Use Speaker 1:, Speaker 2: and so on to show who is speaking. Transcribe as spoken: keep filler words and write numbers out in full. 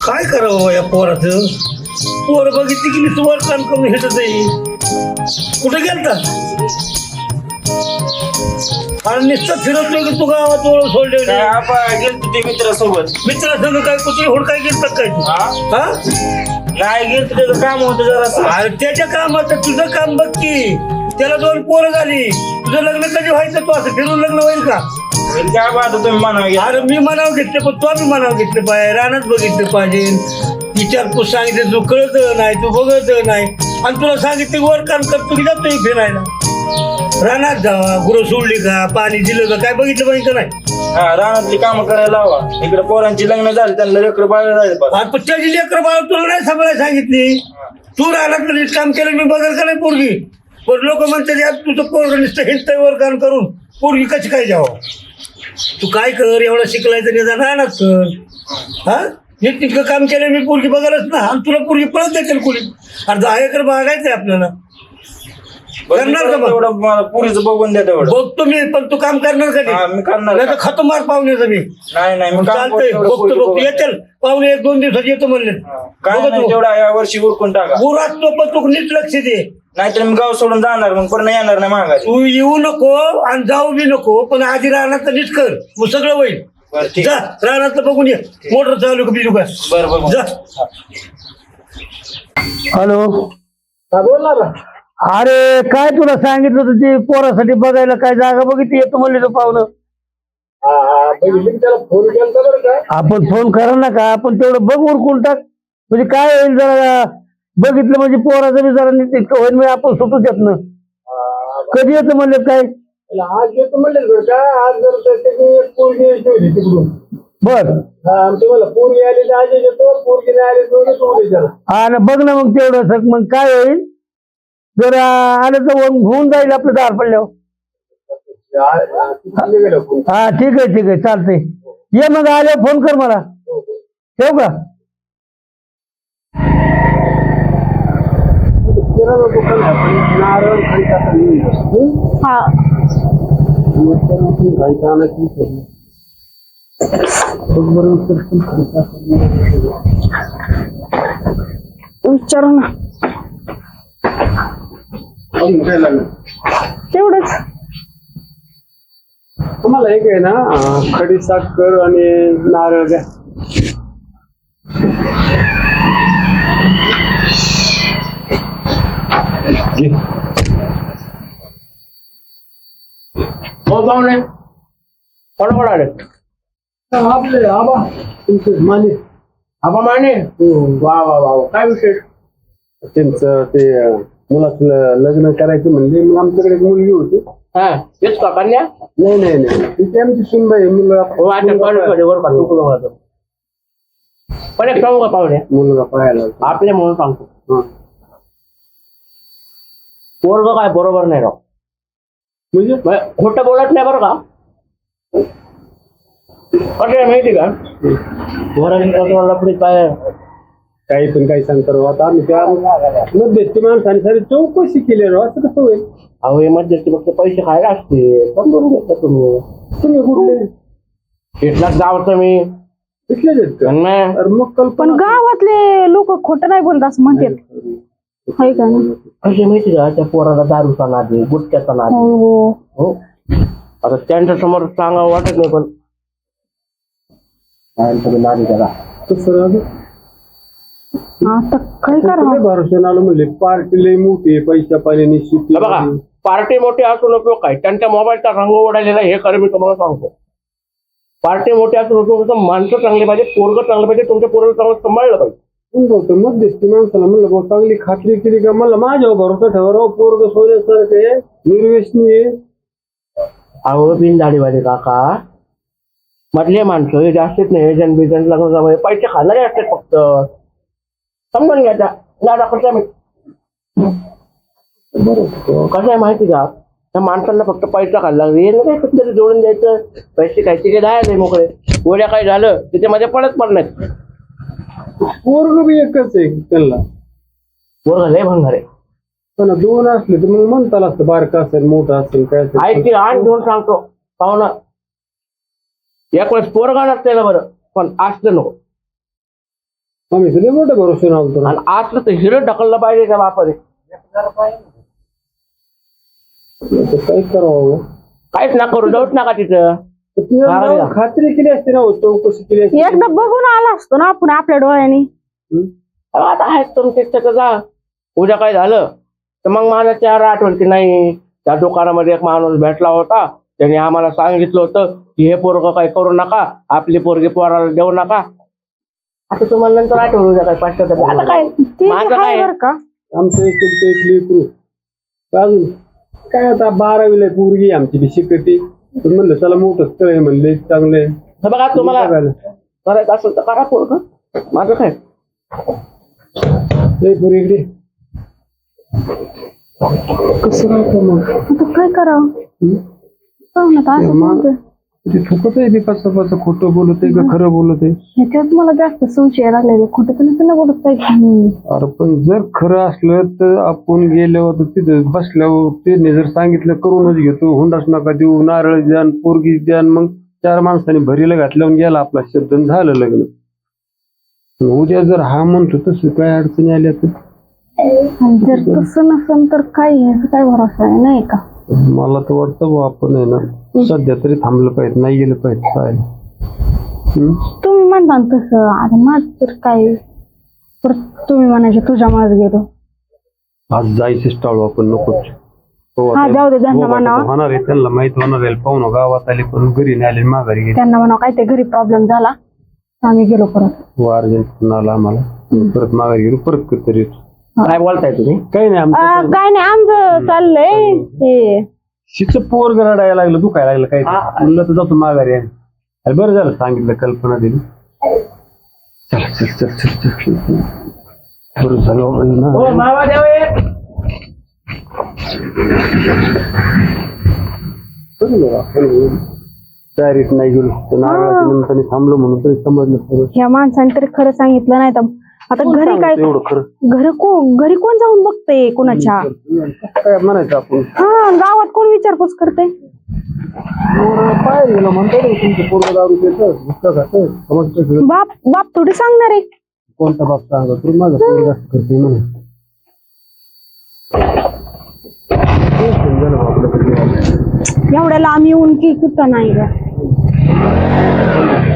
Speaker 1: काय करावं या पोराचं? पोर बघितली की मी तुम्हाला काम करून हेटत आहे. कुठे गेलता? आणि नुसतं फिरतोय की तू गावात ओळख सोडले
Speaker 2: गेलतो ते मित्रासोबत.
Speaker 1: मित्रासंग काय कुठे हुडकाय गेलता काय तू?
Speaker 2: हा
Speaker 1: हा
Speaker 2: नाही गेलतो त्याचं काम होतं जरा.
Speaker 1: अरे त्याच्या कामाचं तुझं काम बघ की. त्याला दोन पोरं झाली, तुझं लग्न कधी व्हायचं? तू असं फिरून लग्न होईल का?
Speaker 2: काय बात तुम्ही म्हणावं.
Speaker 1: अरे मी मनाव घेतले पण तो बी मनाव घेतले पाहिजे. रानात बघितलं पाहिजे. विचारपूस सांगितलं तू कळत नाही, तू बघत नाही. आणि तुला सांगितलं वर काम करतो की जातोय फिरायला. रानात जावा, गुरं सोडली का, पाणी दिलं का, काय बघितलं पाहिजे का नाही?
Speaker 2: हा रानातली कामं करायला लावा. इकडे पोरांची लग्न झाली, त्यांना लेकर बाळ झाले.
Speaker 1: आणि पण त्याची लेकर बाळ तुला नाही सांभाळायला सांगितली. तू रानात नीट काम केलं मी बघाल का नाही पोरगी? पण लोक म्हणतात यार तुझं पोरग नुसतं हिंडतंय वर काम करून, पोरगी कशी काय जावं? तू काय कर, एवढा शिकलाय तर निदान रानात कर. हा नीट तितकं काम केलं मी पोरगी बघालच ना. आणि तुला पोरगी पळत देतील कुणी. आणि दहा एकर बागायचंय आपल्याला. करणार का?
Speaker 2: एवढं मला पुरीचं बघून द्या तेवढं.
Speaker 1: बघतो मी, पण तू काम करणार का?
Speaker 2: हा, मी करणार.
Speaker 1: नाही तर खातो मार पाहुण्याचं मी.
Speaker 2: नाही नाही मी काम
Speaker 1: चालतंय,
Speaker 2: करतो,
Speaker 1: बघतो
Speaker 2: पोरी
Speaker 1: बघतो
Speaker 2: बघून.
Speaker 1: येतील पाहुणे एक दोन दिवसात येतो म्हणले.
Speaker 2: काय
Speaker 1: बघतो.
Speaker 2: नाही तेवढा या वर्षी उरकून टाका.
Speaker 1: गुरात तो पण तू नीट लक्ष दे.
Speaker 2: नाहीतर मी गाव सोडून जाणार, मग पण येणार नाही माघारी.
Speaker 1: तू येऊ नको आणि जाऊ बी नको, पण आधी रानात नीट कर, मग सगळं होईल.
Speaker 2: बरं ठीक.
Speaker 1: जा रानात बघून ये. मोटर चालू का बिजू का?
Speaker 2: बरं बरं
Speaker 1: जा.
Speaker 3: हॅलो.
Speaker 1: बोलणार ना.
Speaker 3: अरे काय तुला सांगितलं होतं ते पोरासाठी बघायला काय जागा बघितली येतो म्हणले तो पाहुणं.
Speaker 1: त्याला फोन केला बरं का?
Speaker 3: आपण फोन करा ना का, आपण तेवढं बघ उरकून टाक. म्हणजे काय होईल जरा बघितलं म्हणजे पोराचं बी जरा नीट इतकं होईल म्हणजे आपण सुटू देत ना. कधी येतं म्हणले काय?
Speaker 1: आज येतो म्हणले बरं का? आज जर त्याची एक पोरगी ठेवली तिकडून.
Speaker 3: बर
Speaker 1: तुम्हाला पोरगी आली तर आज येतो, पोरगी नाही आली तर येतो त्याला.
Speaker 3: हा ना बघ ना मग तेवढं सग मग काय होईल जर आलं तर होऊन जाईल आपलं दार पडल्यावर. हा ठीक आहे ठीक आहे चालतंय. ये मग आल्यावर फोन कर मला. ठेवू का?
Speaker 4: हा विचारू ना तेवढंच.
Speaker 5: तुम्हाला एक आहे ना खडी साखर आणि नारळ द्या.
Speaker 3: हो पाहुणे कोण कोण आले?
Speaker 5: आपले आबा तुमचे माने.
Speaker 3: आबा माने. वा वा वा काय विशेष?
Speaker 5: त्यांचं ते मुलाचं लग्न करायचं म्हणले, मग आमच्याकडे एक मुलगी होती.
Speaker 3: हा तेच का कन्या?
Speaker 5: नाही नाही नाही ती आमची सुनबाई मुलगा.
Speaker 3: हो अच्छा वर काढतो. पण एक सांगू का पाहुणे,
Speaker 5: मुलगा पाहायला होता.
Speaker 3: आपले म्हणून सांगतो
Speaker 5: हा.
Speaker 3: पोरग काय बरोबर नाही राव.
Speaker 5: म्हणजे
Speaker 3: खोटं बोलत नाही बरं का. कसं आहे माहिती का, लपडीत काय
Speaker 5: काही पण काही सांगता राव. आता आम्ही त्या मध्यस्थी माणसाने सारी चौकशी केली राव. असं कसं होईल?
Speaker 3: अहो हे मध्यस्थी फक्त पैसे खायला असते. समजून घेतलं तुम्ही.
Speaker 5: तुम्ही कुठले?
Speaker 3: शेतलाच जावचं मी
Speaker 5: इथलेच आहेत का?
Speaker 3: नाही.
Speaker 5: अरे मग
Speaker 4: पण
Speaker 5: कल्पना
Speaker 4: गावातले लोक खोटं नाही बोलत असं म्हणतात. हाय का ना?
Speaker 3: कसे माहिती का, त्या पोराला दारूचा नादी, गुटख्याचा नादी.
Speaker 4: हो
Speaker 3: हो आता त्यांच्या समोर सांगावं वाटत नाही, पण काय नादी त्याला.
Speaker 5: कसं राहतं?
Speaker 4: आता काय करा.
Speaker 5: भरोसा आलं म्हणले पार्टी लई मोठी आहे, पैशा पाण्याने शेती.
Speaker 3: हे बघा पार्टी मोठी असून उपयोग काय, त्यांच्या मोबाईलचा रंग उडालेला हे खरं मी तुम्हाला सांगतो. पार्टी मोठी असून उपयोग होतं, माणसं चांगली पाहिजे, पोरग चांगलं पाहिजे, तुमच्या पोरग चांगलं सांभाळलं पाहिजे.
Speaker 5: मध्यस्थी माणसाला म्हणलं भाऊ चांगली खात्री केली का, मला माझ्यावर भरोसा ठेवा. पोरग सोन्यासारखे निर्व्यसनी.
Speaker 3: अहो बिन दाढीवाले काका मधले माणसं हे जास्तीच नाही. एजंट बिजंट लग्न पैसे खाणारे असतात फक्त. समजून घ्यायचा लाडा कसं मी कसं आहे माहिती का, त्या माणसांना फक्त पैसा खायला लागला. हे नाही कुठेतरी जोडून द्यायचं, पैसे खायचे की जायचे मोकळे. गोळ्या काही झालं त्याच्यामध्ये पडत पण नाही.
Speaker 5: पोरग बी एकच आहे त्यांना.
Speaker 3: पोरग लय भंगार आहे.
Speaker 5: पण दोन असले तर मग म्हणता असतं बारका असेल मोठा असेल काय असेल.
Speaker 3: ऐकते आठ दोन सांगतो पाहुणा. एक वेळेस पोरगा नसलेलं बरं, पण असलं नको.
Speaker 5: आम्ही तुला मोठं भरोसे नव्हतो
Speaker 3: आणि असलं तर हिरो ढकललं पाहिजे त्या बापाने.
Speaker 5: काय करावं
Speaker 3: काहीच ना करू डाऊट नका तिथं.
Speaker 5: तिला खात्री केली असते ना, चौकशी केली असते.
Speaker 4: एकदा बघून आला असतो ना आपण आपल्या डोळ्याने.
Speaker 3: आता आहेत तुमचे तिथं जा. उद्या काय झालं तर मग मला चार आठवण की नाही त्या दुकानामध्ये एक माणूस भेटला होता, त्याने आम्हाला सांगितलं होतं की हे पोरग काही करू नका, आपली पोरगी पोराला देऊ नका. आता तुम्हाला नंतर आठवण उद्या काय पाचशे आता काय
Speaker 4: ते
Speaker 3: माझं
Speaker 4: आहे
Speaker 3: काय
Speaker 4: बरं का.
Speaker 5: आमचं एक एक लेकरू अजून काय आता बारावीला पोरगी आमची बी शिकते. पण म्हणलं चला मोठं स्थळ आहे म्हणले चांगलं आहे.
Speaker 3: हे बघा तुम्हाला करायचं असेल तर करा पोरग. माझं काय
Speaker 5: लय पोरी इकडे
Speaker 4: कसं राहतं मग आता काय करावं. पाहू ना आता असं बोलतोय.
Speaker 5: ते थुकत आहे, कसं कसं खोटं बोलत आहे का खरं बोलत आहे.
Speaker 4: ह्याच्यात मला जास्त संशय लागले. खोटं तर नसतं ना बोलत पाहिजे.
Speaker 5: अरे पण जर खरं असलं तर आपण गेल्यावर तिथे बसल्यावर त्यांनी जर सांगितलं करूनच घेतो, हुंडाच नका देऊ, नारळ द्या, पोरगी द्या, मग चार माणसांनी भरीला घातल्यावर गेला आपला शब्द आणि झालं लग्न. उद्या जर हा म्हणतो तसं काय अडचणी आल्या तर
Speaker 4: आणि जर तसं नसेल तर काय ह्याचा काय भरोसा आहे नाही का.
Speaker 5: मला तर वाटतं बा आपण आहे ना सध्या तरी थांबलं पाहिजे, नाही गेलं पाहिजे पाहायला.
Speaker 4: तुम्ही म्हणता ना तसं. आता माझ तर काय परत तुम्ही म्हणायचे तुझ्या माझ गेलो.
Speaker 5: आज जायचंच टाळू आपण नकोच. हो,
Speaker 4: हा
Speaker 5: आता
Speaker 4: जाऊ दे. त्यांना
Speaker 5: हो, आता
Speaker 4: म्हणावं
Speaker 5: होणार आहे, त्यांना माहित होणार आहे. पाहुणं गावात आले पण घरी नाही आले, माघारी गेले.
Speaker 4: त्यांना म्हणावं काय ते घरी प्रॉब्लेम झाला आम्ही गेलो परत.
Speaker 5: हो अर्जंट फोन आला आम्हाला, परत माघारी गेलो, परत कधीतरी येतो.
Speaker 3: काय बोलताय तुम्ही.
Speaker 5: काही नाही आमचं
Speaker 4: अं, काय नाही आमचं चाललंय हे.
Speaker 5: शिचं पोर रडायला लागलं, दुखायला लागलं काही म्हणलं तर जातो माघारी. अरे बरं झालं सांगितलं, कल्पना दिली. चल चल चल चल चल बरं झालं ना.
Speaker 3: हो मावा द्यावे.
Speaker 5: तयारीत नाही गेलो तर नारळाच्या निमित्ताने थांबलो म्हणून तरी समजलं सगळं.
Speaker 4: ह्या माणसाने तरी खरं सांगितलं नाही तर आता घरी काय
Speaker 5: एवढं खरं
Speaker 4: घर कोण घरी कोण जाऊन बघते कोणाच्या.
Speaker 5: काय म्हणायचं आपण.
Speaker 4: हा गावात कोण विचारपूस करते.
Speaker 5: बाहेर गेलो म्हणतो तुमचं पोरगं दारू पितं, गुटखा खातं, समजतं सगळं.
Speaker 4: बाप बाप थोडी सांगणार आहे.
Speaker 5: कोणता बाप सांगा तू माझं पोरगं जास्त करते म्हणून. समजा ना आपलं कधी
Speaker 4: एवढ्याला आम्ही येऊन की कुठं नाही ग.